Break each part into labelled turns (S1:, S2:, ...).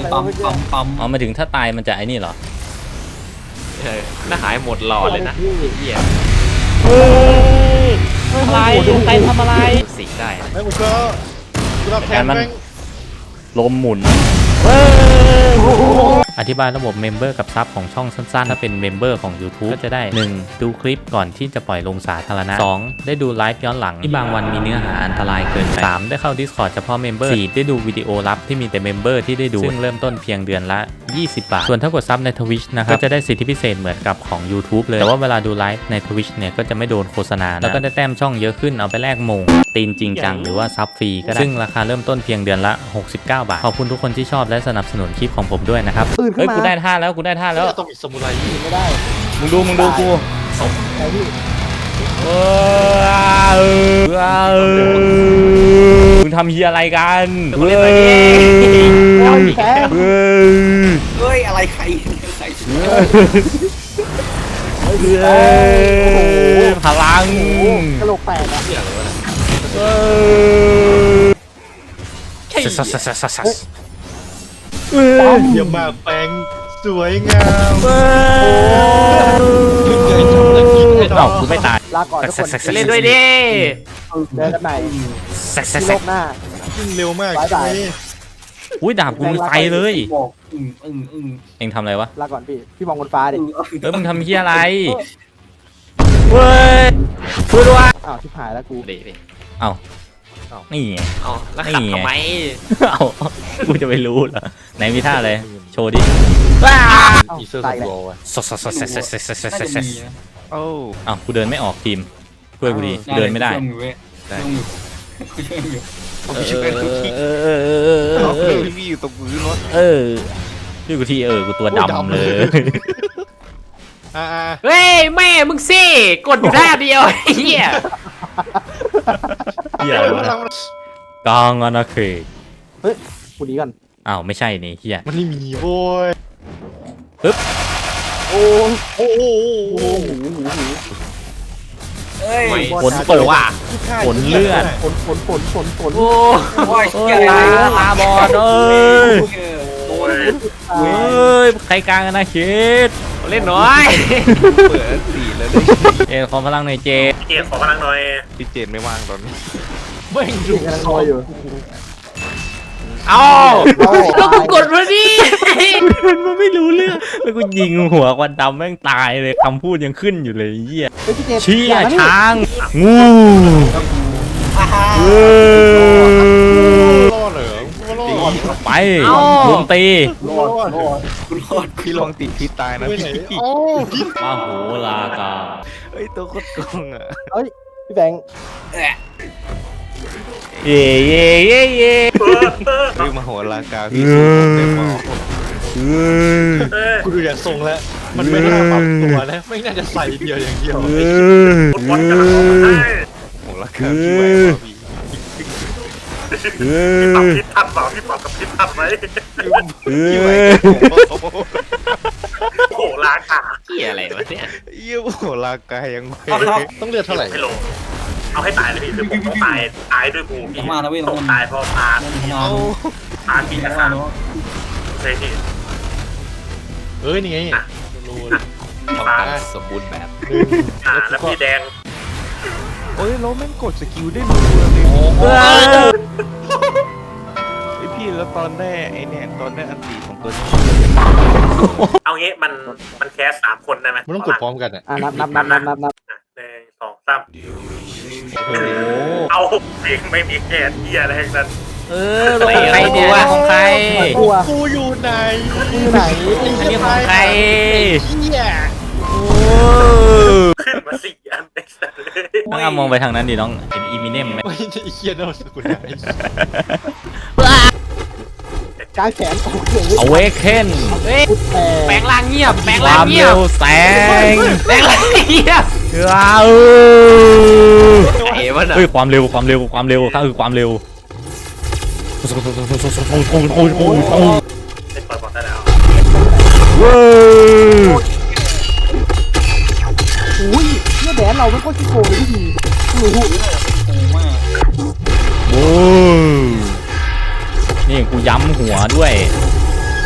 S1: ปั๊ม
S2: อ๋อมาถึงถ้าตายมันจะไอ้นี่เหรอ
S3: น่าหายหมดหลอดเลยนะเหี้ย
S2: อะไรใครทำอะไร
S3: สีได้
S1: ไม่ผมก็
S2: แทนมันลมหมุนอธิบายระบบเมมเบอร์กับซับของช่องสั้นๆถ้าเป็นเมมเบอร์ของ YouTube ก็จะได้ 1. ดูคลิปก่อนที่จะปล่อยลงสาธารณะ 2. ได้ดูไลฟ์ย้อนหลังที่บางวันมีเนื้อหาอันตรายเกินไป 3. ได้เข้า Discord เฉพาะเมมเบอร์ 4. ได้ดูวิดีโอลับที่มีแต่เมมเบอร์ที่ได้ดูซึ่งเริ่มต้นเพียงเดือนละ20 บาทส่วนถ้ากดซับใน Twitch นะครับก็จะได้สิทธิพิเศษเหมือนกับของ YouTube เลยแต่ว่าเวลาดูไลฟ์ใน Twitch เนี่ยก็จะไม่โดนโฆษณาแล้วก็ได้แต้มช่องเยอะขึ้นเอาไปแลกมงตีนจริงจังหรือว่าซับฟรีก็ได้ซึ่งราคาเริ่มต้นเพียงเดือนละ69 บาทขอบคุณทุกคนที่ชอบและสนับสนุนคลิปของผมด้วยนะครับเฮ้ยกูได้ท่าแล้ว
S1: ต้องมีสมุไร
S4: ไม่ได้
S2: มึงดูกู
S4: ไอ้พี่
S2: มึงทำเฮียอะไรกัน
S3: กูเล่นอะไรเนี่ย
S1: เฮ้ยอะไรใคร
S2: พลัง
S4: กระโหลกแตกอ่ะ
S1: เยี่ยมมากแปงสวยงาม
S2: กูไม่ตาย
S4: ลาก่อนทุกคน
S3: เล่นด้วยดิ
S4: เดินกันไหนโลกหน้า
S1: ยิ่งเร็วมาก
S2: อุ้ยดาบกูมีไฟเลยเอ็งทำอะไรวะ
S4: ลาก่อนพี่มองบนฟ้าดิ
S2: มึงทำเฮียอะไรเว้ยช่วยด้วย
S4: อ้าวชิบหายแล้วกู
S2: เอ้านี่ไง
S3: แล้วขับทำไม
S2: กูจะไม่รู้เหรอไหนมีท่าอะไรโชว์ดิ
S1: อีเซอร์สโลว์
S2: อ้าวกูเดินไม่ออกทีมช่วยกูดีเดินไม่ได้
S3: พี่อยู่ตรงพื้นรถ
S2: ช่วยกูทีกูตัวดำเลย
S3: เฮ้ยแม่มึงสิกดอยู่ท่าเดียวเฮีย
S2: กางอนาเขต
S4: เฮ้ยกูดีกัน
S2: อ้าวไม่ใช่นี่เฮีย
S1: มันไม่มีโว้ย
S2: ปึ๊บ
S4: โอ้
S2: ฝนตกว่ะฝนเลือด
S4: ฝน
S3: โอ้
S2: ยตาบอดใครกลางนะคิด
S3: เล่นน้อย
S2: เปิดสีแล้วขอพลังหน่อยเจ
S3: ขอพลังหน่อย
S1: พี่เจนไม่ว่างตอนนี้
S4: ไม่ดูกำลังรออยู่
S3: เอาแล้วกูกดมาดิ
S2: มันไม่รู้เรื่องแล้วกูยิงหัวควันดำแม่งตายเลยคำพูดยังขึ้นอยู่เลยเหี้ยเชี่ยช้างงู
S1: รอดเหรอ
S2: ไปลุมตี
S1: พี่ลองติดพิษตายนะพี่
S2: มาโหลากา
S1: เฮ้ยตัวโคตรโกงอ่ะ
S4: เฮ้ยพี่แบงค์
S2: เย่
S1: คือมาโหรากาพี่สูงเต็มหม้อกูดูอย่างทรงแล้วมันไม่น่าปรับตัวนะไม่น่าจะใส่เดียวอย่างเดียวโหรากาพี่ไว้
S3: พี่ปรับพิษทับเปล่าพี่ปรับกับพิษทับไหม
S1: พี่ไว้
S3: โหราคาเกี่ยอะไรวะเนี่ย
S1: โหรากายังต้องเลือกเท่าไหร่
S3: เอาให้ตายเลยพี่คือผมต้องตายด้วยกูพี่ต้องตายเพราะตาพี่นะครับใช่พี่
S1: นี่ไง
S3: ตาสมบูรณ์แบบแล้วพี่แดง
S1: แล้วแม่งกดสกิลได้รัวเลยไอพี่แล้วตอนแรกไอเนี่ยตอนแรกอันตีของตัวนี้
S3: เอางี้มันแคส3 คนได้ไหม
S1: มันต้องกดพร้อมกันอ่ะ
S4: นับ
S3: 1 2 3เอาเพลงไม่มีแคสเหี้ยอะไรทั้งนั้น
S2: ใครเนี่ยของใคร
S1: กูอยู่ไหน
S2: อันนี้ของใคร
S3: ขึ้นมา4 อันได้สั
S2: เลยน้องมองไปทางนั้นดิน้องเห็นอีมิเนมไหม
S1: ไม่ใช่เคียนเอาสกุลไหน
S4: กางแขน
S2: เอาเวกเคน
S3: แปลงร่างเงียบแปลง
S2: ร่าง
S3: เงียบ
S2: แสง
S3: แปลงร่างเงียบ
S2: เฮ้ยความเร็วข้าคือความเร็ว
S3: เล่นปล่อยบอลได้แล้ว
S4: อุ้ยเนี่ยแดนเราไม่ค่อยขี้โกงเลยพี่
S2: นี่กูย้ำหัวด้วย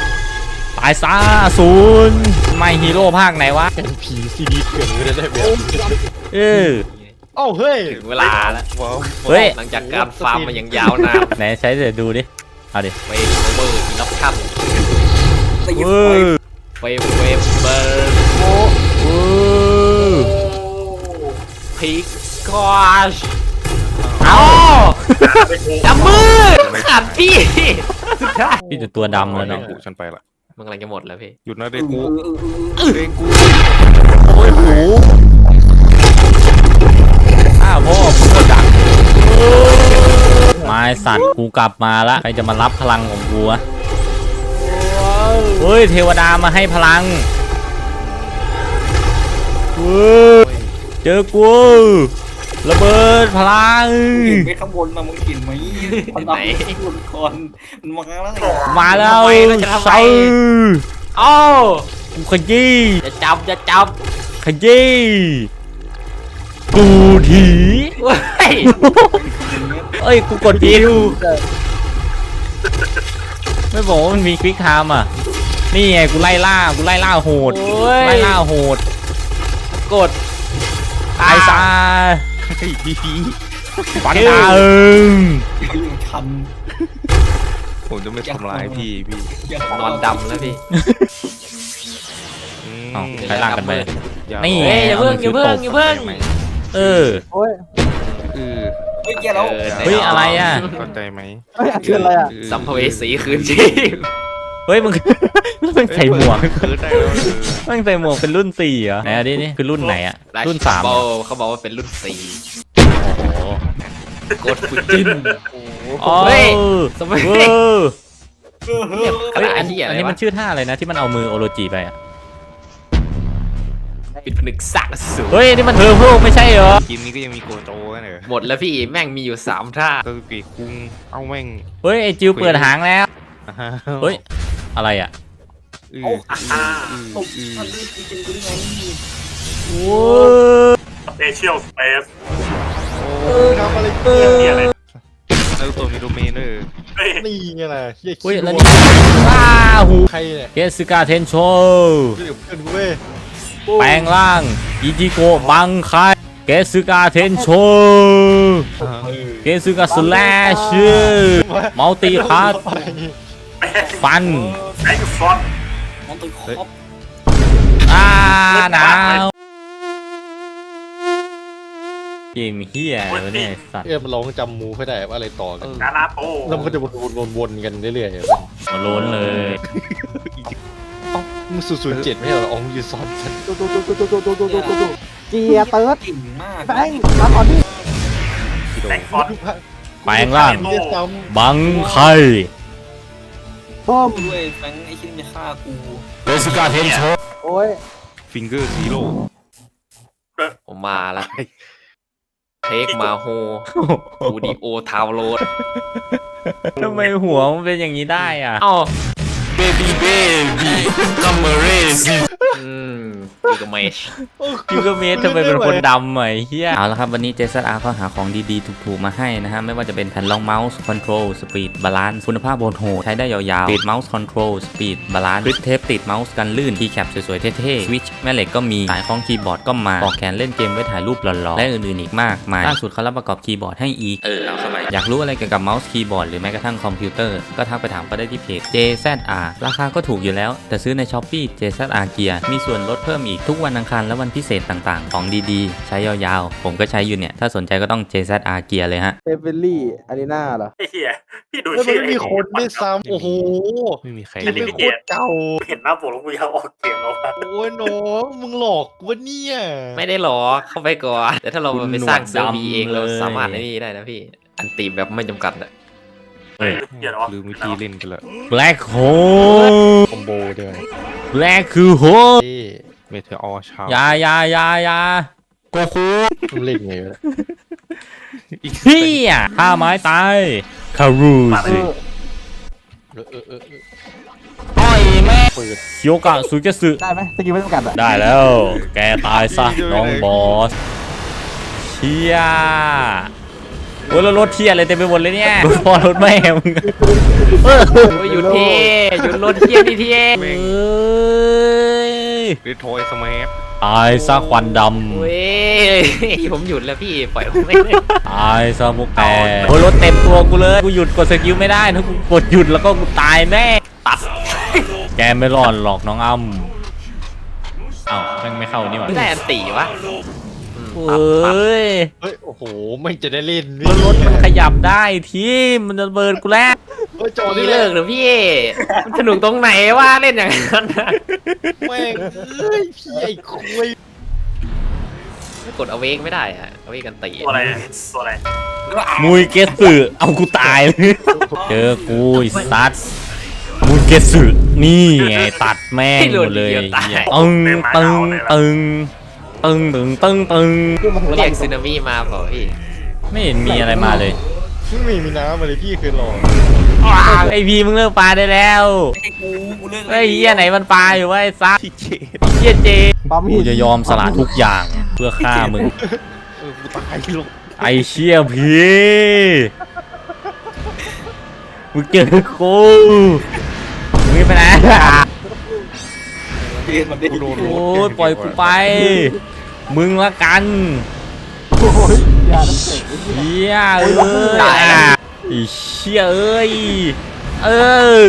S2: ตายซะศูนย์ไม่ฮีโร่ภาคไหนวะ
S1: เป็นผีซีดีเถื่อนไม่ได้แบบ
S2: เออ
S1: เอ้าเฮ้ย
S5: ถึงเวลาแล้ว
S2: เฮ้ย
S5: หลังจากการฟาร์มมาอย่างยาวนาน
S2: ไหนใช้เดี๋ยวดูดิเอาดิ
S5: เวฟเบอร์อีล็อกชั่น
S2: เออ
S5: เวฟเบอร์
S2: เออ
S5: พีกกอช
S2: เอา
S5: จับมือขาดพี่
S2: พี่จะตัวดำเลย
S6: เนาะ
S2: เนาะ
S6: กูฉันไปละ
S5: มันกำลังจะหมดแล้วพี่
S6: หยุดนะเด็กกูเด็กกู
S2: โอ้ยหูพ่อพูดดังไม้สัตว์กูกลับมาละใครจะมารับพลังของกูวะเฮ้ยเทวดามาให้พลังเฮ้ยเจอกูระเบิดพลัง
S7: เห็นไปข้างบนมามึงเห็นไหมมันทำให้บนก่อนมันมาแล้วไง
S2: มาแล้ว
S5: เราจะทำไม
S2: ใส่
S5: โอ้
S2: กูขยี้
S5: จะจับจะจับ
S2: ขยี้กูถี
S5: เว้ย
S2: เอ้ยกูกดผิดไม่บอกว่ามันมีคลิกไทม์อ่ะนี่ไงกูไล่ล่าโหด
S5: โอ้ย
S2: ไล่ล่าโหด
S5: กด
S2: ตายซะ
S6: ไอ้ดี
S2: ปันดา
S7: เขาอยู่ชัน
S6: ผมจะไม่ทำร้ายพี่
S5: นอนดำแล้วพี่
S2: เอ้าใครล่างกันไป นี่
S5: เฮ้ยอย่าเพิ่งอย่าเพิ่งอย่าเพิ่ง
S2: เออ
S4: โอ้ย
S7: เฮ้ยแกแล้ว
S2: เฮ้ยอะไรอ่ะ
S6: เข้าใจไหม
S4: เฮ้ยคืออะไรอ่ะ
S5: สัมภเวสีคืนชีพ
S2: เฮ้ยมึง มึงใส่หมวก
S6: คือได้แล้ว
S2: มึงใส่หมวกเป็นรุ่น4เหรอไหนอันนี้นี่คือรุ่นไหนอ่ะรุ่น3
S5: โบ
S2: เหรอ
S5: เขาบอกว่าเป็นรุ่นสี่
S2: โอ้โห
S5: กดฟูจิน
S2: อ๋อ
S5: เฮ้ยสมัย
S2: เออ
S5: กระ
S2: เฮ้ย
S5: ดาษ
S2: อัน
S5: ที่อะไร
S2: นี้
S5: วะ
S2: มันชื่อท่าอะไรนะที่มันเอามือโอโรจิไปอ่ะ
S5: ปิดผนึกสักสู
S2: เฮ้ยนี่มันเทอร์โพไม่ใช่เหรอ
S6: ทีมนี้ก็ยังมีโกโจกันเหรอ
S5: หมดแล้วพี่แม่งมีอยู่3ท่า
S6: ก็กีคุงเอาแม่ง
S2: เฮ้ยไอจิวเปิดหางแล้วเฮ้ยอะไรอ่ะ
S6: อือ
S7: ตบมันด้วยจริงๆกูได้ไง
S2: โอ้ย
S3: สเปเชียลสเปซ
S1: ทำอะไร
S3: เนี่ยอะไร
S6: แล้วตัวมีโดเมนด้วย
S3: เฮ้ย
S1: นี่ไงล่ะเฮีย
S2: เฮ้ย
S1: คิด
S2: แล้ว
S1: ว่า
S2: นี่ว้าหู
S1: ใครเนี่ย
S2: เกสกาเทนโช
S1: เดี๋ยวเพื่อนกูเว้ย
S2: แปลงร่างอิจิโกะบังคายเกสกาเทนโชเกสกาสแลชมัลติพาร์ทฟัน
S3: ไอ้ฟอน
S7: มันตัวครบ
S2: หนาวเกมเฮียอะไรวะเนี่ยสัตว์
S1: มันร้องจำมูไม่ได้ว่าอะไรต่อกัน
S3: นานาโต
S1: แล้วมันก็จะวนๆกันเรื่อยๆ
S2: มาล้นเลย
S1: มึง007ไม่ใช่เหรอองยูซอนฉัน
S4: ดูเกียร์เติร์ด
S7: เก่งมาก
S4: แบงค์มาก่อนดิ
S3: แตงฟอน
S2: แปลงร่าง
S1: เรียกซ้
S2: บังไค
S4: ป้อม
S7: ด้วยแฟงไอ้ชิ้นจะฆ่ากู
S2: เกสกาเทนโช
S4: โอ้ย
S6: ฟิงเกอร์ซีโร่
S5: ผมมาแล้วเทคมาโฮบูดิโอทาวโรด
S2: ทำไมหัวมันเป็นอย่างนี้ได้อ่ะ
S5: เอ้า
S2: เบบี้คัมเมเรส
S5: กิกเมช
S2: ยูกเมสทำไมเป็นคนดำอ่ะไอ้เฮียเอาละครับวันนี้ JZR ก็หาของดีๆถูกๆมาให้นะฮะไม่ว่าจะเป็นแผ่นรองเมาส์คอนโทรลสปีดบาลานซ์คุณภาพโหดใช้ได้ยาวๆติดเมาส์คอนโทรลสปีดบาลานซ์กริปเทปติดเมาส์กันลื่นคีย์แคปสวยๆเท่ๆสวิตช์แม่เหล็กก็มีสายคล้องคีย์บอร์ดก็มาปลอกแขนเล่นเกมไว้ถ่ายรูปหล่อๆและอื่นๆอีกมากมายล่าสุดเขารับประกอบคีย์บอร์ดให้อีกเอาเข้าไปอยากรู้อะไรเกี่ยวกับเมาส์คีย์บอร์ดหรือแม้กระทั่งคอมพิวเตอร์ก็ทักไปถามก็ได้ที่เพจ JZR ราคาก็ถูกอยู่แล้วแต่ซื้อใน Shopee JZR Gear มีส่วนลดเพิ่มอีกทุกวันอังคารและวันพิเศษต่างๆของดีๆใช้ยาวๆผมก็ใช้อยู่เนี่ยถ้าสนใจก็ต้อง JZR Gear เลยฮะ
S4: เอเวอรี่อารีนาเหรอ
S3: ไอ้เหี้ยพี่ดู
S1: แล้วมัน
S3: ชื่อ
S1: ไม่มีคนด้วยซ้ำโอ้โห
S6: ไม่มีใคร
S1: เกมไม่โคตรเก่า
S3: เห็นหน้าผมแล้วกูอยากออกเกมแล้วอะ
S1: โอ้ยน้องมึงหลอกกูวะเนี่ย
S5: ไม่ได้หรอเข้าไปก่อนแต่ถ้าเราไปสร้างเซิร์ฟวีเองเราสามารถไอ้นี่ได้นะพี่อันตีแบบไม่จำกัดอะ
S3: เดี๋ยวนะ
S6: ลืมวิธีเล่นกันละ
S2: Black Hole
S1: คอมโบด้วย
S2: Black คือ Hole
S6: เมเทอร์ชาวย
S2: าโกคู
S1: มึงเล่นไงวะ
S2: เฮียท่าไม้ตายคารูสิ อ้อยแม่โยกะสุเกสึ
S4: ได้ไหมสกิลไม่จำกัดอ่ะ
S2: ได้แล้ว แกตายซะน้องบอสเชียโอ้ยแล้วรถเทียอะไรเต็มไปหมดเลยเนี่ยรถพ่อรถแม่มึง
S5: โอ้ยหยุดเท่หยุดรถเที่ยนี่เท่
S2: เอ้ย
S6: เรโทรสมัย
S2: ตายซะควันด
S5: เว้ยผมหยุดแล้วพี่ปล่อยผมไม่ได้
S2: ำตายซะมุกแกโอ้ยรถเต็มตัวกูเลยกูหยุดกดสกิลไม่ได้ถ้ากูกดหยุดแล้วก็กูตายแน่ตัดแกไม่รอดหรอกน้องอ้ำเอ้าแม่งไม่เข้านี่หว่า
S5: ไม่ได้อันตีวะ
S2: เอ้ย
S1: เฮ้ยโอ้โหไม่จะได้เล่น
S2: แล้วรถมันขยับได้ทีมันจะเบิร์นกูแล้ว
S1: เฮ้ยโจ
S5: พี่
S1: นี่
S5: เลิ
S1: เลิ
S5: ก
S1: ก
S5: เหรือพี่มันสนุกตรงไหนวะเล่นอย่างนั้นน่ะ
S1: แม่งเอ้ยพี่ไอ้คุย
S5: กดเอาเวกไม่ได้อะเอาเวกกันตี
S3: ตัวอะไรตัวอะไร
S2: มุยเกสึเอากูตายเลยเจอกูไอ้สัตว์มุยเกสึนี่ไงตัดแม่งหมดเลยเหี้ยตึงตึงตึงตึงตึงตึงตึง
S5: เรียกซึนามิมาเปล่าพี่
S2: ไม่เห็นมีอะไรมาเลย
S1: ไม่มีน้ำอะไรพี่เคยลอง
S2: ไอพีมึงเลิกปลาได้แล้ว
S7: ไอ้กูเลิก
S2: ไอเหี้ยไหนมันปลาอยู่วะไอ้ซัก
S6: ที่เจ
S2: ไอ้เหี้ยเจ
S4: ปั๊ม
S2: กูจะยอมสละทุกอย่างเพื่อฆ่ามึง
S6: กูตายลง
S2: ไอเชี่ยพีมึงเจอกูมึงไปไหน
S7: เรียนมันได้
S6: กูโดน
S2: โอ้ยปล่อยกูไป มึงละกัน
S4: โอ้ยอย่าน้ำแข็ง
S2: เหี้ยเอ้ยไอเชี่ยเอ้ยเออ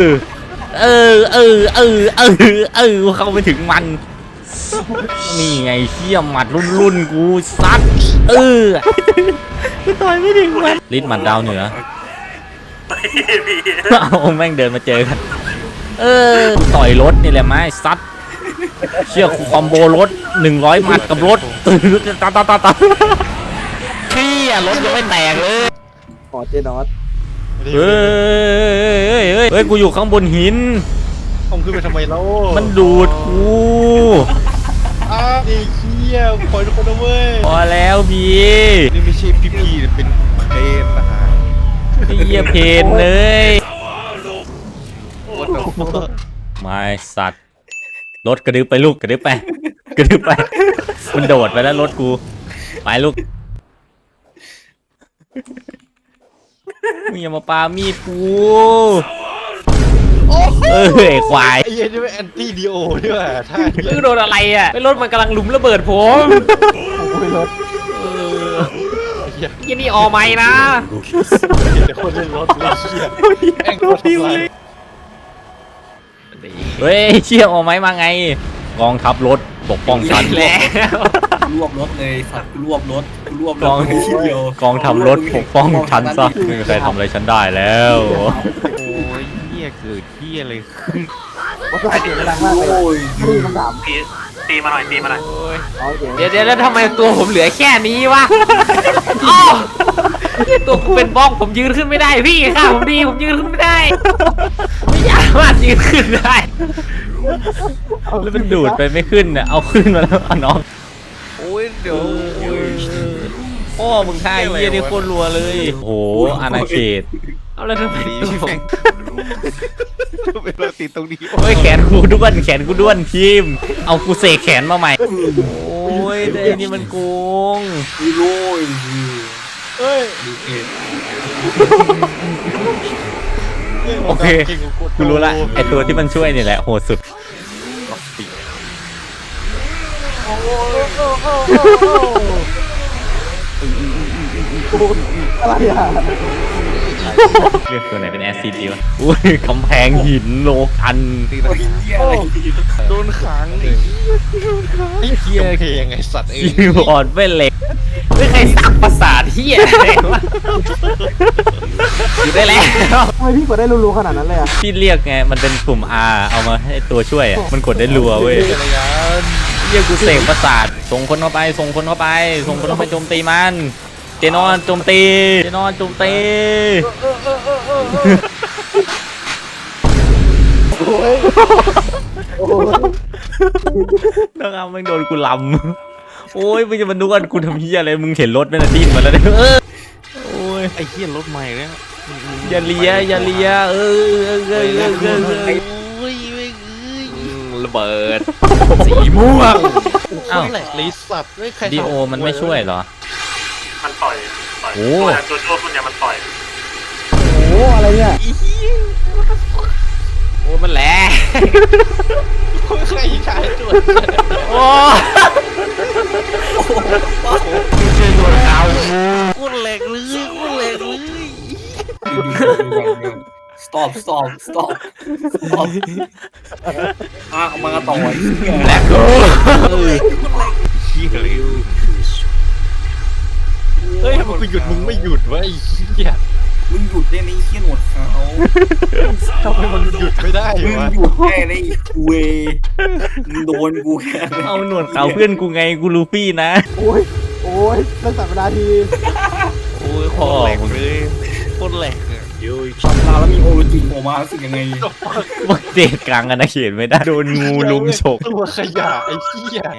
S2: เข้าไปถึงมัน นี่ไงเชี่ยหมัดรุ่นกูซัดกูต่อยไม่ถึงมันลิ้นหมัดดาวเหนือ
S3: พี่
S2: เอาแม่งเดินมาเจอกันกูต่อยรถนี่แหละไม้ซัดเชี่ยคอมโบรถ100หมัดกับรถตาเชี่ยรถยังไม่แตกเลย
S4: ขอเจนอส
S2: เฮ้ยกูอยู่ข้างบนหิน
S1: ผมขึ้นไปทำไมแล้ว
S2: มันดูดกู
S1: อ้าวไอ้เหี้ยปล่อยทุกคนนะเว้ย
S2: พอแล้วพี่
S6: นี่ไม่ใช่พี่ๆเป็นเพลนนะฮะ
S2: ไอ้เหี้ยเพนเลย
S6: What the fuck
S2: ไม่สัตว์รถกระดึบไปลูกกระดึบไปมันโดดไปแล้วรถกูไปลูกมึงอย่ามาปามีดกูไอ้ควาย
S1: ไอ้เหี้ยนี่เป็นแอนตี้ดีโอด้วยว่ะท่าเหี้ย
S5: มึงโดนอะไรอ่ะไอ้รถมันกำลังหลุมระเบิดผม
S4: โอ้ยรถ
S5: ยี่นี่ออไม่นะ
S1: เดี๋ยวคนเล่นรถเลยเหี้ยแม่งโคตรทำลาย
S2: เฮ้ยเชี่ยออกไหมมาไงกองทัพรถปกป้องฉัน
S5: แล้ว
S7: รวบรถเลยสัตว์รวบรถรวบร
S2: กอง
S7: ถทีเดียว
S2: กองทัพรถปกป้องฉันซะไม่มีใครทำอะไรฉันได้แล้ว
S6: โอ้ยเหี้ยเกิดเหี้ยอะไรขึ้น
S4: ว่าใส่เสียงดังมากเลย
S7: โอ้ย
S4: นี่คำถาม
S3: ตีมาหน่อยตีมาหน่อย
S4: เอาเสียง
S5: เดี๋ยวแล้วทำไมตัวผมเหลือแค่นี้วะอ้าวตัวผมเป็นบ้องผมยืนขึ้นไม่ได้พี่ค่ะผมดีผมยืนขึ้นไม่ได้ไม่สามารถยืนขึ้นได้
S2: แล้วมันดูดไปไม่ขึ้นเนี่ยเอาขึ้นมาแล้วเอาน้อง
S6: โอ้ยเดี๋ยว
S2: พ่อมึงท่าเยี่ยนี่โคตรรัวเลยโอ้โหอาณาเขต
S5: เอาแล้วทำไมตัวผม
S6: เป็นเราติดตรงนี้
S2: โอ้ยแขนกูด้วนทีมเอากูเสกแขนมาใหม่โอ้ยแต่อันนี่มันโกง
S7: โอ้ย
S1: เฮ้ย
S2: โอเคกูรู้ละไอตัวที่มันช่วยนี่แหละโหดสุด
S4: อะไรอ่ะ
S2: เลือกตัวไหนเป็นแอซิดดีวะอุ้ยกำแพงหินโลกัน
S6: โดนขังดิ
S1: ไอ้เหี้ยเพลงไอ้สัตว์เอ้ย
S2: คีย์บอร์ดไม่เหล็ก
S5: ไม่ใครสั่งประสาทเฮียอะไรวะอยู่ได้แล้ว
S4: ทำไมพี่กดได้รัวๆขนาดนั้นเลยอ่ะ
S2: ที่เรียกไงมันเป็นปุ่ม R เอามาให้ตัวช่วยอ่ะมันกดได้รัวเว้ย
S1: จักรยาน
S2: เรียกกูเสกประสาทส่งคนเข้าไปโจมตีมันเจนอนโจมตี
S4: โอ้ย
S2: นะครับมึงโดนกูลำโอ้ยมึงจะมาดูกันกูทำเหี้ยอะไรมึงเห็นรถไหมน่ะดิ้นมาแล้วเนี่ยโอ้ย
S6: ไอ้เหี้ยรถใหม่เนี่ย
S2: อย่าเลีย
S5: ระเบิดสีม่วง
S2: อ้าว
S1: แหลกเลยสัตว์ไม่ใคร
S2: ดีโอมันไม่ช่วยเหรอ
S3: มันปล่อยอย
S2: โอ้
S3: ตัวโจ้คนเนี้ยมันต่อย
S4: โอ้โหอะไรเนี่ย
S5: โอ้มันแหละ
S1: ใครชายจุด
S5: โอ้
S6: กูเหล็กเลยกูเหล็กเลย
S7: stop เอามาต่อ
S5: แหลกกู
S6: เหี้ยเลย
S1: เฮ้ยมันกูหยุดมึงไม่หยุดวะไอ้เหี้ย
S7: มึงหยุดได้ไหมเขี้ยหนวดเขา
S1: ทำไมมันหยุดไม่ได้
S7: มึง
S1: วะ
S7: หยุดแค่ได้เวมึงโดนกูแค่
S2: เอาหนวดเขาเพื่อนกูไงกูลูฟี่นะ
S4: โอ้ยโอ้ยเรื่องสัปดาห์ที
S6: โอ้ยโคตรเหล็กเลยโคตรเหล็กอะ
S7: ทำลาแล้วมีโอโรจิโผล่มารู้สึกยังไง
S2: บักเจดกลางอนาเขตไม่ได้โดนงูลุมฉก
S1: ตัวขยะไอ้เหี้ย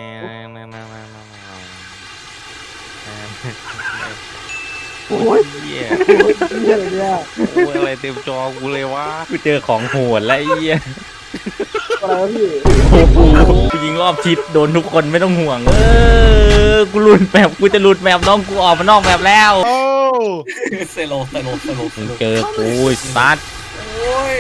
S4: โอ้ย
S6: เหี้ย
S4: เหี้ยอะไรเนี่ย
S6: โอ้ยอะไรเต็มจอกูเลยวะ
S2: กูเจอของโหดแล้วไอ้เหี้ย
S4: อะไรวะพี่
S2: โอ้โหกูยิงรอบทิศโดนทุกคนไม่ต้องห่วงกูหลุดแมปกูจะหลุดแมปน้องกูออกมานอกแมปแล้ว
S1: โอ้
S7: เซโล
S2: มึงเจอกูซัด
S7: โอ้ย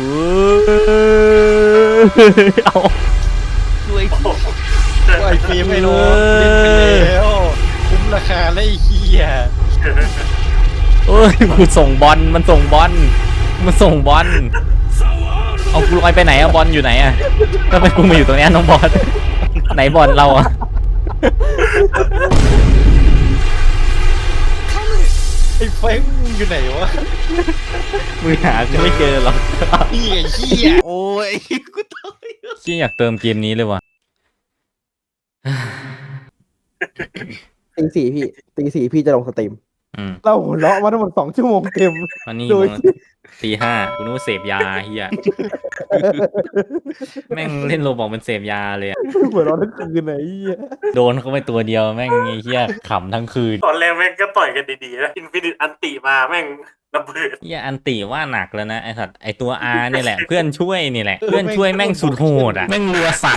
S2: เอา
S6: ช่วย
S1: ไอ้ฟิล์มไอ้น้องเล่นไปแล้วคุ้มราคาเลยไอ้เหี้ย
S2: เอ้ยกูส่งบอลมันส่งบอลมันส่งบอลเอากูลอยไปไหนอะบอลอยู่ไหนอะทำไมกูมาอยู่ตรงเนี้ยน้องบอลไหนบอลเราอะ
S1: ไอ้เฟ้งมึงอยู่ไหนวะ
S2: มึงหากูไม่เจอหรอก
S1: นี่ไอ้เหี้ย
S6: โอ้ยกู
S2: ที่อยากเติมเกมนี้เลยว่ะ
S4: ตี 4พี่ตี 4พี่จะลงสตรีม
S2: อืม
S4: เราหัวเราะมาทั้งหมด2 ชั่วโมงเต็ม
S2: วันนี้
S4: โดย
S2: ตี 5กูนึกว่าเสพยาเฮียแม่งเล่นโรบอกมันเสพยาเลยอะ
S4: หัวเราะทั้งคืนไหนเหี้ย
S2: โดนเขาไปตัวเดียวแม่งไอ้เฮียขำทั้งคืน
S3: ตอนแรกแม่งก็ต่อยกันดีๆนะอินฟินิตอันติมาแม่งระเบิด
S2: เฮียอันติว่าหนักแล้วนะไอ้สัตว์ไอตัว R นี่แหละ เพื่อนช่วยนี่แหละ เพื่อนช่วยแม่งสุดโหดอ่ะแม่งรัวสัตว์